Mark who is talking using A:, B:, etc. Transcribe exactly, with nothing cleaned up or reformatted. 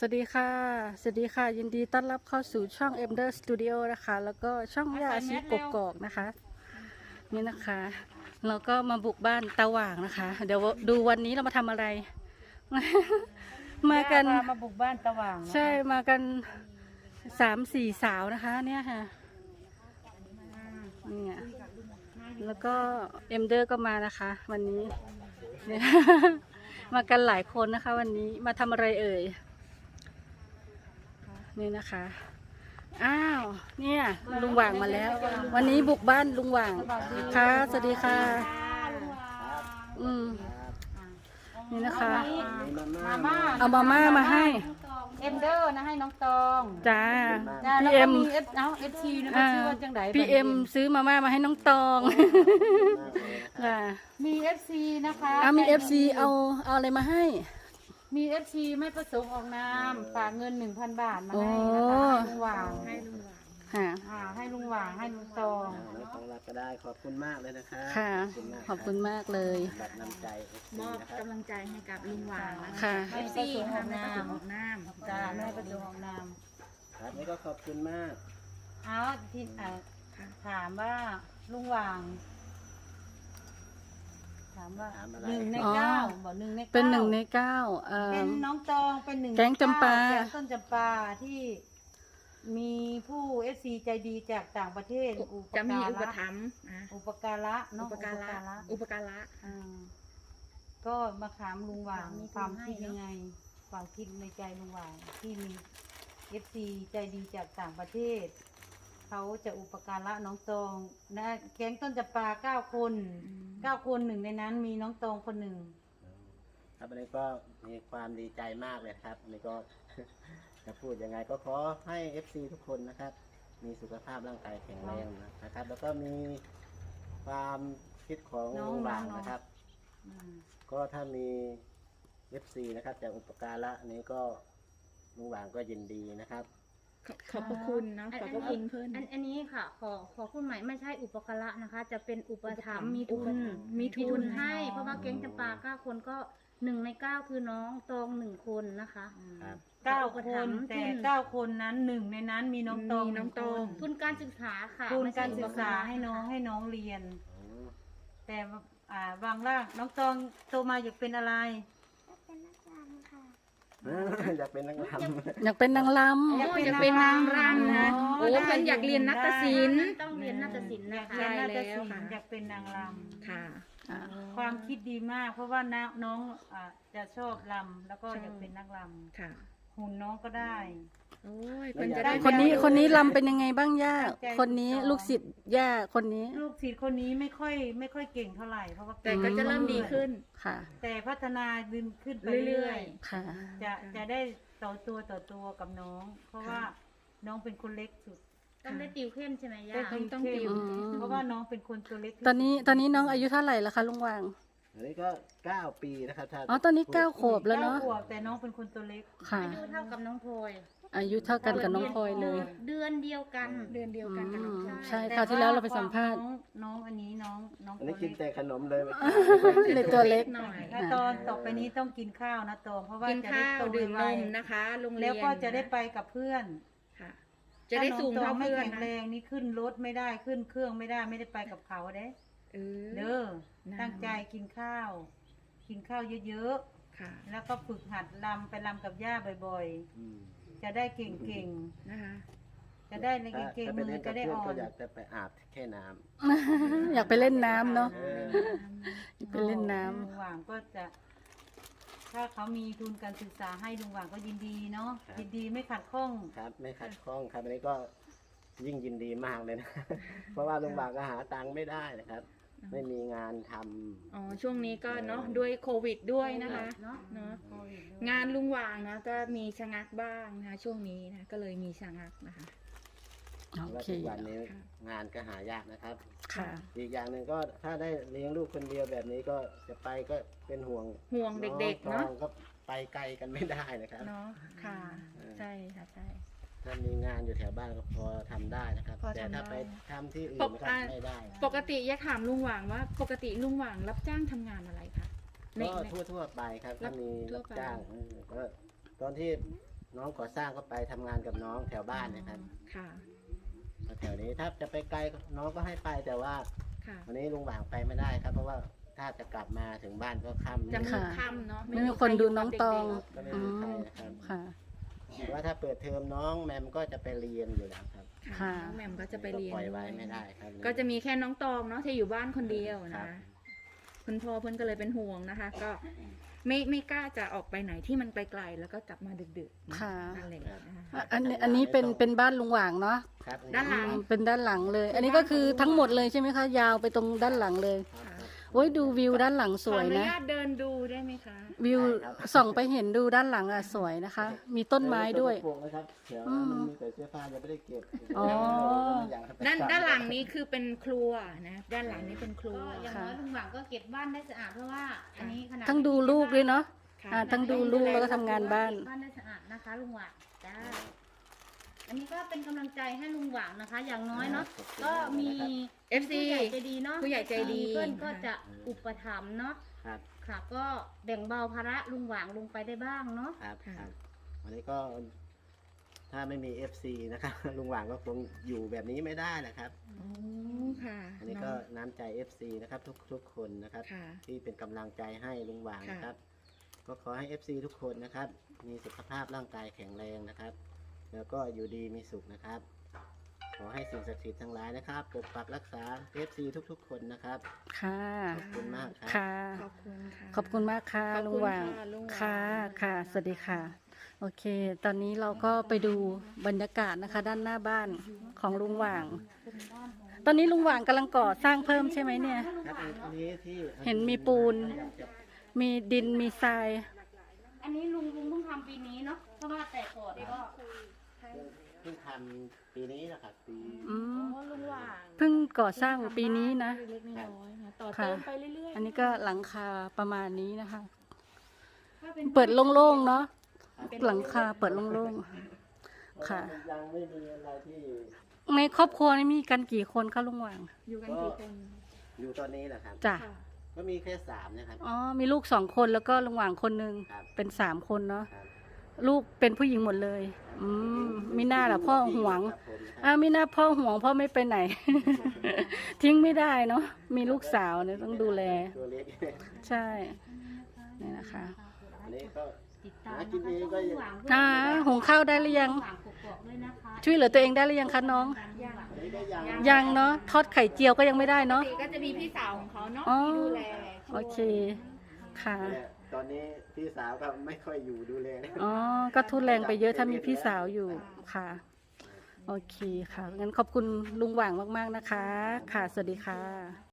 A: วัสดีค่ะ สวัสดีค่ะ ยินดีต้อนรับเข้าสู่ช่อง Emder Studio นะคะ แล้วก็ช่องย่าชีกกอกนะคะ นี่นะคะ เราก็มาบุกบ้านตาหว่างนะคะ เดี๋ยวดูวันนี้เรามาทำอะไร มากัน
B: มาบุกบ้านตาหว่างนะคะ
A: ใช่ มากันสามสี่สาวนะคะ เนี่ยค่ะเนี่ยแล้วก็เอ็มเดอร์ก็มานะคะ วันนี้เนี่ย มากันหลายคนนะคะ วันนี้มาทำอะไรเอ่ยนี่นะคะ อ้าว เนี่ย ลุงหว่างมาแล้ว วันนี้บุกบ้านลุงหว่างค่ะ สวัสดีค่ะ อืม นี่นะคะ
B: มาม่า
A: เอามาม่ามาให้
B: เอ็มเดอร์นะให้น้องตอง
A: จ้า
B: จ้า
A: พี่
B: แล้ว
A: เอ็
B: ก็
A: ม
B: มีเอสเอาเอสทีนะคะชื่อว่าจังได
A: พี่เอ็มซื้อมาม่ามาให้น้องตองค่ะ
B: มีเอฟซีนะคะ
A: เอามีเอฟซีเอาเอาอะไรมาให้
B: มีเอฟซีไม่ประสงค์ออกนามฝากเงินหนึ่งพันบาทมาให้นะคะให้ลุงหว่างให้ลุงหว่าง
A: ค่ะ
B: อ่าให้ลุงหว่างให้ลุงตอง
C: น้องของรักก็ได้ขอบคุณมากเลยนะคะ
A: ค่ะ ขอบคุณมากเลย
C: บัตรนำใจ
D: มอบกำลังใจให้กับลุงหว่างนะคะ
A: ค่ะ
B: ให้ประสงค์ออกนาม
D: ออกน้ำ
B: จ้าไม่ให้ประสงค์ออกนาม
C: ครับนี่ก็ขอบคุณมาก
B: เอาที่อ่าถามว่าลุงหว่าง ถามว่า
C: ถามอะไร
B: หนึ่งใน
A: อ๋อ
B: เก้าบอกหนึ่งในเก้า
A: เป็นหนึ่งในเก้าเอ่
B: เป็
A: อน
B: น้องตองเป็นหนึ่ง
A: แก๊งจำปา
B: แก๊งต้นจำปาที่มีผู้เอฟซีใจดีจากต่างประเทศอุป
D: จะมี
B: การะ
D: อุปถัมภ์นะ
B: อุปการะเน
D: อุ
B: อะ
D: ปการะอุปการะ
B: อ่าก็มาถามลุงหว่าง
D: มี
B: ความ
D: ให้
B: คิด
D: เนอะ
B: ยังไง ความคิดในใจลุงหว่างที่มีเอฟซีใจดีจากต่างประเทศ เขาจะอุปการะน้องตองนะแก๊งต้นจำปาเก้าคนเก้าคนหนึ่งในนั้นมีน้องตองคนหนึ่ง
C: ครับอันนี้ก็มีความดีใจมากเลยครับอันนี้ก็ จะพูดยังไงก็ขอให้ เอฟ ซี ทุกคนนะครับ มีสุขภาพร่างกายแข็งแรงนะครับ แล้วก็มีความคิดของ
B: น้อง
C: ลุงหว่าง
B: น้อง
C: นะครับ
B: อืม
C: ก็ถ้ามี เอฟ ซี นะครับจากอุปการะนี้ก็ลุงหว่างก็ยินดีนะครับ
D: ขอขอบพระคุณเนาะขอบพระคุณเพื่อน
E: อันอันนี้ค่ะ ขอขอคุณใหม่ไม่ใช่อุปการะนะคะ จะเป็นอุปถัมภ์มี
D: อุ
E: ทุ
D: ป
E: น
D: ถัมภ์มีทุน
E: ทุนให้ เพราะว่าแก๊งจำปาเก้าคนก็หนึ่งในเก้าคือน้องตองหนึ่งคนนะคะ
C: ครับ
B: เก้า
E: อุป
B: ค
E: ถั
B: น
E: มภ์
B: แต่
E: ทุน
B: เก้าคนนั้นหนึ่งในนั้นมีน้องตอง
D: มีน้องตอง
B: ห
E: ทุ
B: นึ่
E: นการศึกษาค่ะ
B: ทุน
E: ไม่ใช่
B: การศึกษา
E: อุปะ
B: ให้น้องให้น้องเรียน
C: อืม
B: แต่ว่าอ่าวางล่างน้องตองโตมาอยากเป็นอะไร
C: อยากเป็นนักรำ
A: อยากเป็นนางล
D: โอ้อยากเป็นนางรำนะ
B: อ๋อ
D: โอ้เพื่อนอยากเรียนนัตศิลป์
E: ต้องเรียนนาฏศิลป์
B: อยา
E: นะ
B: ก
E: คะ
B: เรียนนาฏ
D: ใช่
B: ศิล
D: แล้วค่ะ
B: ป์อยากเป็นนางร
D: ค่ะ
A: ำอ่า
B: ำความคิดดีมาก เพราะว่าน้าน้องอ่าจะชอบรำแล้วก็อยากเป็นนักร
D: ค่ะ
B: ำหุ่นน้องก็ได้
D: โอ้ยเพื่อนจะได้
A: คนนี้คนนี้ลำเป็นยังไงบ้างย่า
B: ตั้งใจ
A: คนนี้
B: สอน
A: ลูกศิษย์ย่าคนนี้
B: ลูกศิษย์คนนี้ไม่ค่อยไม่ค่อยเก่งเท่าไหร่เพราะว่า
D: แต่ก็จะเริ่มดีขึ้น
A: ค่ะ
B: แต่พัฒนาดึงขึ้นไป
D: เรื่
B: เรื่
D: อ
B: อย ย
A: ค่ะ
B: ๆ จะจะได้ต่อตัวต่อตัวกับน้อง เพราะว่าน้องเป็นคนเล็กสุด
E: ต้องได้ติวเข้มใช่ไหมย่า
B: ได้
D: ต้อง
B: เข้ม
D: ติว
A: อืม
B: เพราะว่าน้องเป็นคนตัวเล็กที่
A: ตอนนี้ตอนนี้น้องอายุเท่าไหร่ละคะลุงหว่าง
C: อันนี้ก็เก้าปีนะครับถ้า
A: อ๋อตอนนี้เก้าขวบแล้ว
B: เก้า
A: เนาะ
B: ขวบแต่น้องเป็นคนตัวเล็ก
A: ค่ะ
E: อายุเท่ากับน้องพลอย
A: อายุเท่ากันกับน้องพลอยเลย
E: เดือนเดียวกัน
D: เดือนเดียวกันกับน้อง
A: อืม
D: ชาย
A: ใช่คราวที่แล้วเราไปสัมภาษณ์
B: น้องน้องอันนี้น้องน้อง
C: อัน
B: ตั
C: นี้
B: ว
C: กิน
B: เล็ก
C: แต่ขนมเลย
A: เลยตัวเล็ก
D: หน่อย
B: ถ้าตอนต่อไปนี้ต้องกินข้าวนะตองเพราะว่า
D: กิน
B: จะได้
D: ข้าว
B: โต
D: ดื่ม
B: ไวน
D: มนะคะโรงเรียน
B: แล้วก็จะได้ไปกับเพื่อน
D: ค่ะ จะได้สูง
B: ถ้า
D: เท่า
B: น้องตองไม่
D: เพื่อน
B: แข็ง
D: นะ
B: แรงนี่ขึ้นรถไม่ได้ขึ้นเครื่องไม่ได้ไม่ได้ไปกับเขาเด้
D: เออ
B: เด้อ
D: นะ
B: ตั้งใจกินข้าว กินข้าวเยอะ
D: ค่ะ
B: ๆ แล้วก็ฝึกหัดลำไปลำกับย่าบ่อย
C: อืม
B: ๆ จะได้เก่ง
D: นะคะ
B: ๆ จะได้ในเก่งๆ
C: ถ้า
B: มื
C: ไป
B: อ
C: เล่น
B: จะ
C: กับ
B: ได้
C: เพื่อน
B: อ่อ
C: ก็
B: น
C: อยากจะไปอาบแค่น้
A: อยากไปเล่นน้ำเนาะ
C: ำเออ
A: ไปเล่นน้ำ
B: ลุงหว่างก็จะ ถ้าเขามีทุนการศึกษาให้ลุงหว่างก็ยินดีเนาะยินดีไม่ขัดข้อง
C: ครับไม่ขัดข้องครับอันนี้ก็ยิ่งยินดีมากเลยนะ เพราะว่าลุงบากก็หาตังค์ไม่ได้นะครับ ไม่มีงานทำ
D: อ๋อช่วงนี้ก็เนาะด้วยโควิดด้วยนะคะ
E: เนาะ
D: เนาะ
B: โควิดด้วย
D: งานลุงหว่างนะก็มีชะงักบ้างนะคะช่วงนี้นะก็เลยมีชะงักนะคะ
A: โอ
C: ว่า
A: เค
C: ทุกวันนี้
D: ค่ะ
C: งานก็หายากนะครับ
A: ค่ะ
C: อีกอย่างหนึ่งก็ถ้าได้เลี้ยงลูกคนเดียวแบบนี้ก็จะไปก็เป็นห่วง
D: ห่วงเด็กๆ
C: น้อ
D: เนาะ
C: งก็ไปไกลกันไม่ได้นะครับ
D: เนาะค่ะใช่ค่ะใช่
C: ถ้ามีงานอยู่แถวบ้านก็พอทำได้นะครับ
D: พอทำ
C: แต่ถ้า
D: ได้
C: ไปทำที่อื่
D: ป
C: น
D: ก
C: นะครับ
D: อ่า
C: ไม่ได้
D: ปกติอยากถามลุงหว่างว่า ปกติลุงหว่างรับจ้างทำงานอะไรคะใน
C: ก็
D: ใน
C: ทั่วทั่วๆไปครับ
D: รั
C: ถ้า
D: บ
C: มี
D: ทั่ว
C: รับ
D: ไป
C: จ้างเออก็ตอนที่น้องก่อสร้างก็ไปทำงานกับน้องแถวบ้านนะครับ
D: ค่ะ
C: แถวนี้ถ้าจะไปไกลน้องก็ให้ไปแต่ว่า
D: ค่ะ
C: วันนี้ลุงหว่างไปไม่ได้ครับ เพราะว่าถ้าจะกลับมาถึงบ้านก็ค่ำ
D: จะมื
A: ค่ะ
D: ดค่ำเนาะ
A: ไม่มีคนดูน้องตอง
C: ก็ไม่
A: อื
C: มีใคร
A: ม
C: นะครับ
A: ค่ะ
C: หรือว่าถ้าเปิดเทอมน้องแมมก็จะไปเรียนอยู่แล้วครับ
D: ค่ะ
A: ค่ะ
D: น้องแหม่มก็จะไปเรียน
C: ปล่อยไว้
D: ด้วย
C: ไม่ได้ครับ
D: ก็จะมีแค่น้องตองเนาะที่อยู่บ้านคนเดียว
C: ครั
D: นะ
C: บ
D: คะคุณพ่อเพื่อนก็เลยเป็นห่วงนะคะ ก็ไม่ไม่กล้าจะออกไปไหนที่มันไกลๆแล้วก็กลับมาดึกๆน
A: ค่ะ
D: นั่นแหละนะคะ
A: อ่ะอันนี้อันนี้เป็นเป็นบ้านลุงหว่างเนาะ
C: ครับ
D: ด้านหลัง
A: อืมเป็นด้านหลังเลย อันนี้ก็คือทั้งหมดเลยใช่ไหมคะ ยาวไปตรงด้านหลังเลย
C: ครับครับ
A: โอ้ยดูวิวด้านหลังสวย
D: ขออนุ
A: นะ
D: ญาตเดินดูได้ไหมคะ
A: วิว
C: ได้ครับ
A: ส่องไปเห็นดูด้านหลังอ่ะสวยนะคะ มีต้นไม้ด้วย
C: ปลูกนะครับเดี๋ยว
A: อืม
C: มันมีแต่เสื้อผ้ายังไม่ได้เก็บ
A: อ๋อ
D: ด้านด้านหลังนี้คือเป็นครัวนะ ด้านหลังนี้เป็นครั
E: ก็
D: ว
E: อย่างน้อยลุงหวังก็เก็บบ้านได้สะอาดเพราะว่าอันนี้ขนาด
A: ทั้งดูลูกด้วยเนาะ
D: ค่ะ
A: อ่าทั้งดูลูกแล้วก็ทำงานบ้าน
E: เก็บ้านได้สะอาดนะคะลุงหวังจ้าอันนี้ก็เป็นกำลังใจให้ลุงหวังนะคะ อย่างน้อยเนาะก็มี
D: เอฟซี
E: ผู้ใหญ่ใจดีเนาะ
D: ผู้ใหญ่ใจดี
E: เพื่อนก็จะอุปถัมภ์เนาะ
C: ครับ
E: ค่ะ ก็แบ่งเบาภาระลุงหวังลงไปได้บ้างเนาะ
C: ครับ
D: ค่ะ
C: ครับวันนี้ก็ถ้าไม่มี เอฟ ซี นะครับ ลุงหว่างก็คงอยู่แบบนี้ไม่ได้นะครับ
D: โอ้ค่ะ
C: อันนี้ก็น้ำใจ เอฟ ซี นะครับทุกทุกคนนะครับ
D: ค่ะ
C: ที่เป็นกำลังใจให้ลุงหว่าง
D: ค่ะ
C: นะครับ ก็ขอให้ เอฟ ซี ทุกคนนะครับ มีสุขภาพร่างกายแข็งแรงนะครับ แล้วก็อยู่ดีมีสุขนะครับ ขอให้สิ่งศักดิ์สิทธิ์ทั้งหลายนะครับปกปักรักษา เอฟ ซี ทุกๆ คนนะครับ
A: ค่ะ
C: ขอบคุณมากครับ
A: ค่ะ
D: ขอบคุณค่ะ
A: ขอบคุณมากค่ะ
D: ขอบคุณ
A: ลุงหว่าง
D: ค่ะลุงหว่าง
A: ค่ะ ค่ะ สวัสดีค่ะ โอเค ตอนนี้เราก็ไปดูบรรยากาศนะคะ ด้านหน้าบ้านของลุงหว่าง ตอนนี้ลุงหว่างกำลังก่อสร้างเพิ่มใช่ไหมเนี่ย
C: ครับอันนี้ที่
A: เห็นมีปูน มีดิน มีทราย
E: อันนี้ลุงลุงเพิ่งทำปีนี้เนาะเพราะว่าแต่ก่อนก็
C: เพิ่งทำปีนี้นะครับปี
A: อืม
D: โอ้ลุงหว่าง
A: เพิ่งก่อสร้างปีนี้นะ
D: เล็กๆน้อยๆนะต่อ
A: ค่ะ
D: เติมไปเรื่อยๆ
A: อันนี้ก็หลังคาประมาณนี้นะคะ
E: ถ้าเป็น
A: เปิดโล่งๆเนาะ หลังคาเปิดโล่งๆ ค่ะ
C: ยังไม่มีอะไรที่
A: ในครอบครัวนี่มีกันกี่คนคะลุงหว่าง
D: อยู่กันกี่คน
C: อยู่ตอนนี้แหละครับ
A: จ้ะ
D: ค่ะ
C: ก็มีแค่สามนะครับ
A: อ๋อ มีลูกสองคนแล้วก็ลุงหว่างคนหนึ่ง
C: ครับ
A: เป็นสามคนเนาะ
C: ครับ
A: ลูกเป็นผู้หญิงหมดเลย อืมมีหน้าล่ะพ่อหวง
C: ครับผมนะครับ
A: อ้าวมีหน้าพ่อหวงพ่อไม่ไปไหน ทิ้งไม่ได้เนาะ มีลูกสาวเนี่ยต้องดูแล
C: ตัวเล็ก
A: ใช่นี่นะคะ
C: อันนี้ก็
E: ติดตาม
C: หากินเองก็ยัง
A: อ่าหุงข้าวได้หรือยัง
E: ฝากกดๆด้วยนะคะ
A: ช่วยเหลือตัวเองได้หรือยังคะน้อง
C: อันนี้ก็ยัง
A: ยังเนาะ ทอดไข่เจียวก็ยังไม่ได้
D: ปก
A: เนาะ
D: ติก็จะมีพี่สาวของเขาเนาะ
A: อ๋อ
D: ที่ดูแล
A: โอเค ค่ะ
C: เนี่ยตอนนี้พี่สาวก็ไม่ค่อยอยู่ดูแลนะ
A: อ๋อ ก็ทุนแรงไปเยอะถ้ามีพี่สาวอยู่ ค่ะ โอเคค่ะ งั้นขอบคุณลุงหว่างมากๆนะคะ ค่ะ สวัสดีค่ะ